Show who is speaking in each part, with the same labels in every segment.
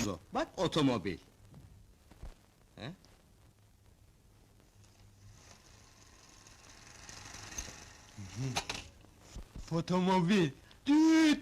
Speaker 1: Hanzo, bak otomobil. He?
Speaker 2: Fotomobil. Düt.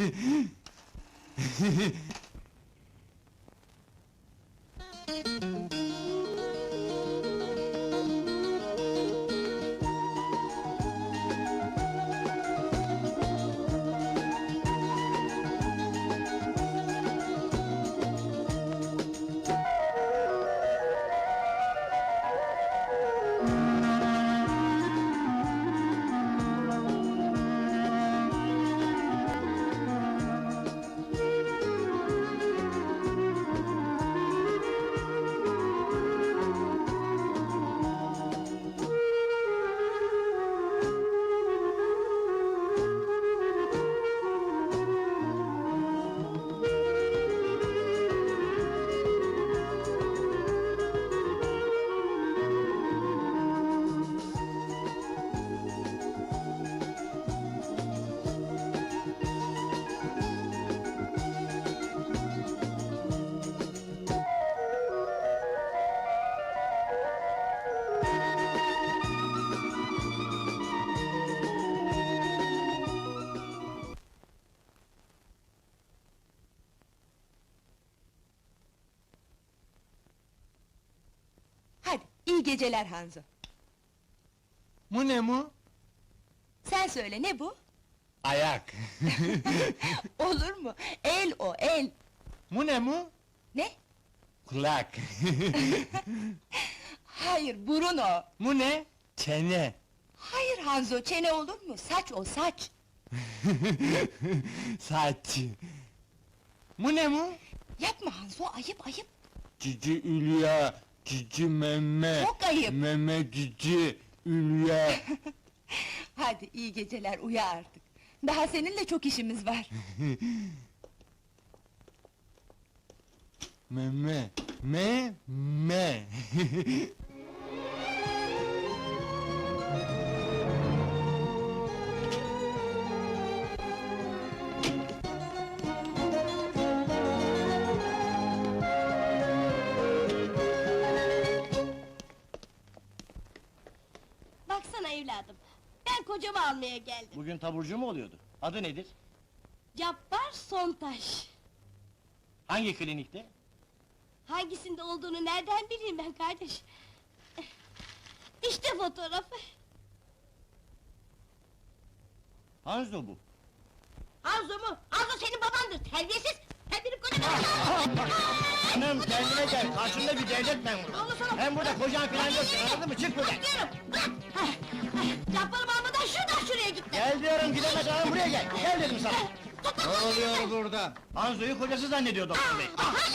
Speaker 3: Hadi, iyi geceler Hanzo.
Speaker 2: Mu ne mu?
Speaker 3: Sen söyle, ne bu?
Speaker 2: Ayak.
Speaker 3: Olur mu? El o, el!
Speaker 2: Mu ne mu?
Speaker 3: Ne?
Speaker 2: Kulak.
Speaker 3: Hayır, burun o!
Speaker 2: Mu ne? Çene.
Speaker 3: Hayır Hanzo, çene olur mu? Saç o, saç!
Speaker 2: Saç. Mu ne mu?
Speaker 3: Yapma Hanzo, ayıp ayıp!
Speaker 2: Cici Ülya, cici meme.
Speaker 3: Çok ayıp!
Speaker 2: Meme cici Ülya.
Speaker 3: Hadi, iyi geceler, uyu artık! Daha seninle çok işimiz var!
Speaker 2: Meme, me.
Speaker 4: Baksana evladım, ben kocamı almaya geldim.
Speaker 5: Bugün taburcu mu oluyordu? Adı nedir?
Speaker 4: Cabbar Sontaş.
Speaker 5: Hangi klinikte?
Speaker 4: Hangisinde olduğunu nereden bileyim ben kardeş? İşte fotoğrafı.
Speaker 5: Hanzo bu.
Speaker 4: Hanzo mu? Hanzo senin babandır, terbiyesiz! Sen benim kocamı...
Speaker 5: Hanım kendine gel, karşında bir devlet memuru.
Speaker 4: Allah sana-
Speaker 5: Hem burada kocan falan yok, anladın mı? Çık buradan!
Speaker 4: Gidiyorum, bırak! Cabbar'ımı almadan şuradan şuraya gitme!
Speaker 5: Gel diyorum, gidemez hanım, buraya gel! Gel dedim sana!
Speaker 1: Ne oluyor burada?
Speaker 5: Hanzo'yu kocası zannediyor doktor bey.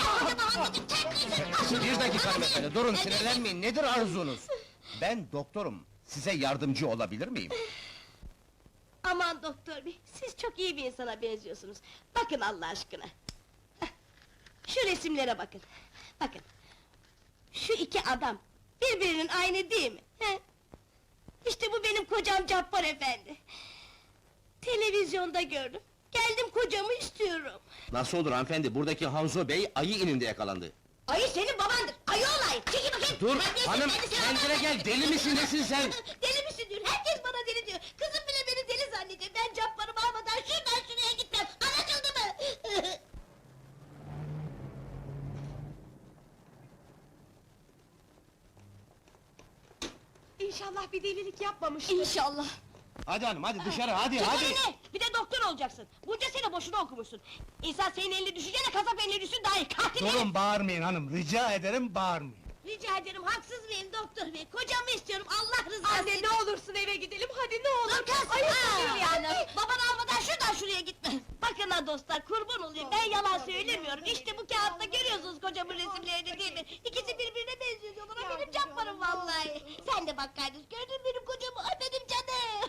Speaker 1: Bir dakika hanımefendi, durun sinirlenmeyin, nedir arzunuz? Ben doktorum, size yardımcı olabilir miyim?
Speaker 4: Aman doktor bey, siz çok iyi bir insana benziyorsunuz. Bakın Allah aşkına! Şu resimlere bakın! Bakın! Şu iki adam, birbirinin aynı değil mi? He? İşte bu benim kocam Cabbar efendi! Televizyonda gördüm, geldim kocamı istiyorum!
Speaker 1: Nasıl olur hanımefendi, buradaki Hanzo Bey ayı ininde yakalandı.
Speaker 4: Ayı senin babandır, ayı olay! Çekil bakayım!
Speaker 1: Dur,
Speaker 4: Terbiyesiz,
Speaker 1: hanım,
Speaker 4: kendisi-
Speaker 1: kendine gel, deli misin, nesin sen?
Speaker 4: Deli misin diyor, herkes bana deli diyor! Kızım bile beni deli zannediyor, ben Cabbar'ımı almadan şuradan şuraya gitmem! Anlaşıldı mı?
Speaker 3: İnşallah bir delilik yapmamıştır!
Speaker 4: İnşallah!
Speaker 5: Hadi hanım, hadi dışarı, hadi,
Speaker 4: Çık
Speaker 5: hadi!
Speaker 4: önüne! Bir de doktor olacaksın! Bunca sene boşuna okumuşsun! İnsan senin eline düşünce de kasap eline düşsün daha iyi! Katil herif!
Speaker 2: Bağırmayın hanım, rica ederim bağırmayın.
Speaker 4: Rica ederim, haksız mıyım doktor bey? Kocamı istiyorum, Allah rızası
Speaker 3: Anne,
Speaker 4: için!
Speaker 3: ne olursun eve gidelim, hadi ne olur!
Speaker 4: Dur kız!
Speaker 3: Ayıp
Speaker 4: Aa,
Speaker 3: oluyor yani!
Speaker 4: Babanı almadan şuradan şuraya gitme! Bakın ha dostlar, kurban olayım, ben yalan söylemiyorum! İşte bu kağıtta görüyorsunuz kocamın resimlerini değil mi? İkisi birbirine benziyor diyorlar, o benim Cabbar'ım vallahi! Sen de bak kardeş, gördün mü benim kocamı? Ay benim canım!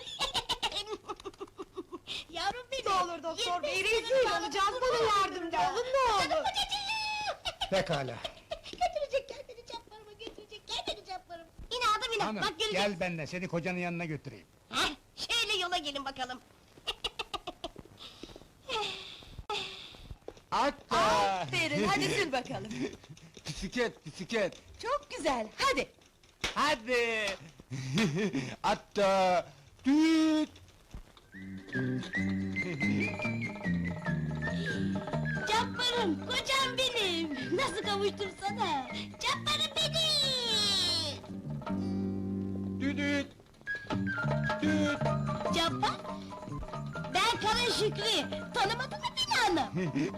Speaker 4: Yavrum benim!
Speaker 3: Ne olur doktor bey,
Speaker 4: 25
Speaker 3: rezil
Speaker 4: sene
Speaker 3: olacağız,
Speaker 4: sağlık
Speaker 3: bana
Speaker 4: kızım
Speaker 3: yardımcı
Speaker 4: var.
Speaker 3: olun, ne olur!
Speaker 4: Canım kocacığım!
Speaker 2: Pekala.
Speaker 4: Götürecek, gel beni Cabbar'ıma götürecek, gel beni Cabbar'ım! İn adım in,
Speaker 2: Hanım,
Speaker 4: bak göreceksin!
Speaker 2: gel benimle, seni kocanın yanına götüreyim.
Speaker 4: Heh, şöyle yola gelin bakalım!
Speaker 2: Hatta.
Speaker 3: Aferin, hadi sür bakalım.
Speaker 2: Bisiklet, bisiklet.
Speaker 3: Çok güzel, hadi.
Speaker 2: Hadi. Hatta. Düt.
Speaker 4: Cabbarım, kocam benim! Nasıl kavuştum sana? Cabbarım benim!
Speaker 2: Düdüt. Düt.
Speaker 4: Cabbar! Ben Kara Şükrü, tanımadın mı beni hanım?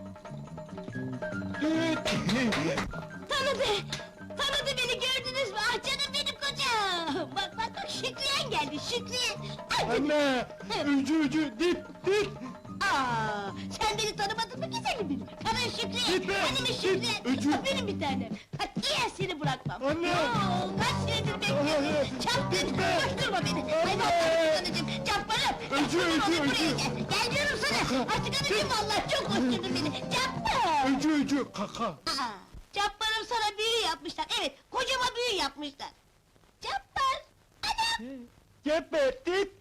Speaker 2: Düt.
Speaker 4: Tanıdı! Tanıdı beni, gördünüz mü? Ah canım benim kocam! Bak bak bak, Şükriyen geldi, Şükriyen! Ay,
Speaker 2: Anne. Ucu, dip, dip.
Speaker 4: Aa, sen beni tanımadın mı güzelim benim? Kara Şükriye,
Speaker 2: Gitme,
Speaker 4: benim
Speaker 2: git,
Speaker 4: Şükriye,
Speaker 2: öcü.
Speaker 4: benim bir tanem. Katiyen seni bırakmam.
Speaker 2: Anne!
Speaker 4: Oo, kaç senedir bekliyorum. Çapkın, koşturma beni. Ay vallahi anacığım, Cabbarım.
Speaker 2: Öcü,
Speaker 4: Cabbarım,
Speaker 2: öcü,
Speaker 4: buraya
Speaker 2: öcü.
Speaker 4: gel. Gel diyorum sana. Artık anacığım vallahi çok koşturdun beni. Cabbar.
Speaker 2: Ucu, kaka.
Speaker 4: Aa, Cabbarım sana büyü yapmışlar. Evet, kocama büyü yapmışlar. Cabbar, anam.
Speaker 2: Geberdik.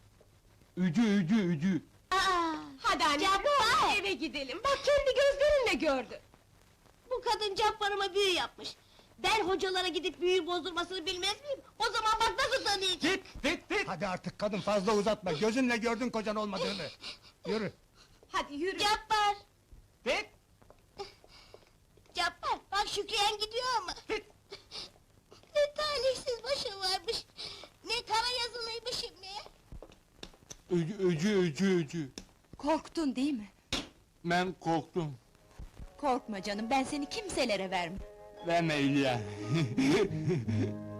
Speaker 2: Ucu.
Speaker 4: Aa,
Speaker 3: Hadi anne,
Speaker 4: Cabbar.
Speaker 3: eve gidelim. Bak kendi gözlerinle gördün.
Speaker 4: Bu kadın Cabbarıma büyü yapmış. Ben hocalara gidip büyü bozdurmasını bilmez miyim? O zaman bak nasıl tanıyacağım.
Speaker 2: Dit. Hadi artık kadın fazla uzatma. Gözünle gördün kocan olmadığını. Yürü.
Speaker 3: Hadi yürü.
Speaker 4: Cabbar!
Speaker 2: Dit.
Speaker 4: Cabbar, bak Şükriyen gidiyor ama. Ne talihsiz başa varmış. Ne kara yazılıymışım ne.
Speaker 2: Ucu.
Speaker 3: Korktun değil mi?
Speaker 2: Ben korktum.
Speaker 3: Korkma canım, ben seni kimselere vermem.
Speaker 2: Verme İlya.